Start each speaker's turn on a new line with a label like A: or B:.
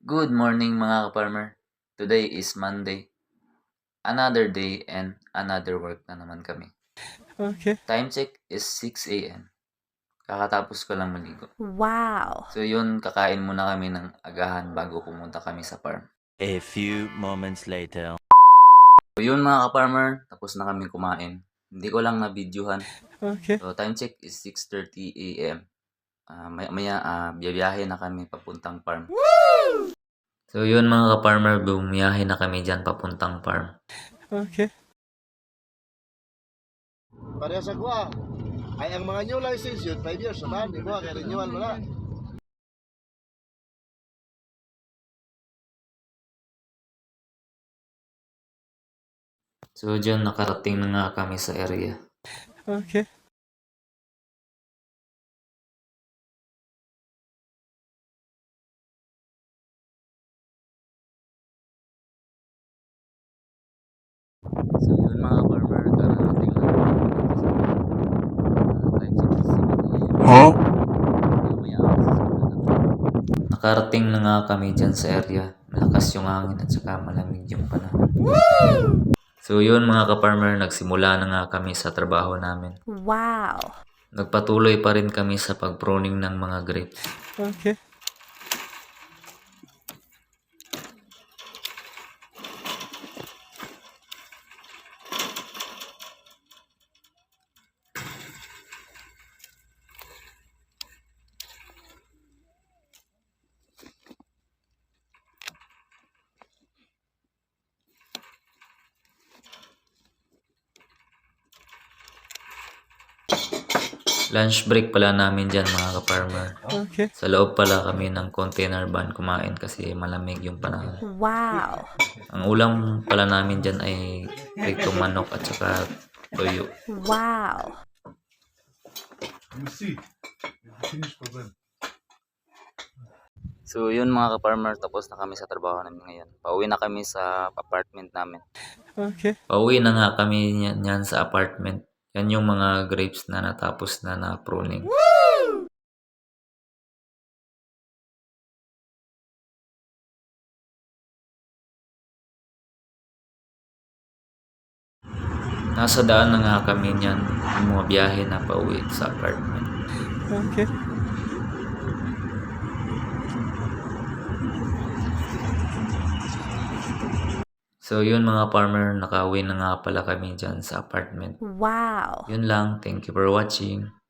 A: Good morning mga ka-farmer. Today is Monday. Another day and another work na naman kami.
B: Okay.
A: Time check is 6 a.m. Kakatapos ko lang maligo.
C: Wow!
A: So yun, kakain muna kami ng agahan bago pumunta kami sa farm.
D: A few moments later.
A: So yun mga ka-farmer, tapos na kami kumain. Hindi ko lang na-videohan.
B: Okay.
A: So time check is 6:30 a.m. Maya biyahe na kami papuntang farm. So yun mga ka-farmer, bumiyahe na kami dyan papuntang farm.
B: Okay.
E: Pareha sa kuha. Ay ang mga new license yun, 5 years na di ba? Kaya renewal mo na.
A: So dyan nakarating na nga kami sa area.
B: Okay.
A: So yun mga farmer, kararating lang kami dito sa time check is 7 a.m. Maya nakarating na nga kami dyan sa area. Malakas yung hangin at saka malamig yung panahon. So yun mga ka-farmer, nagsimula na nga kami sa trabaho namin.
C: Wow!
A: Nagpatuloy pa rin kami sa pag-pruning ng mga grapes.
B: Okay.
A: Lunch break pala namin dyan mga ka-farmer.
B: Okay.
A: Sa loob pala kami ng container van kumain kasi malamig yung panahon.
C: Wow!
A: Ang ulam pala namin dyan ay pritong manok at saka toyo.
C: Wow!
E: You see, finish problem.
A: So yun mga ka-farmer, tapos na kami sa trabaho namin ngayon. Pauwi na kami sa apartment namin.
B: Okay.
A: Pauwi na nga kami niyan sa apartment. Yan yung mga grapes na natapos na na-pruning. Nasa daan na nga kami niyan, mga biyahe na pauwi sa apartment.
B: Okay.
A: So yun mga farmer, nakauwi na nga pala kami dyan sa apartment.
C: Wow!
A: Yun lang, thank you for watching.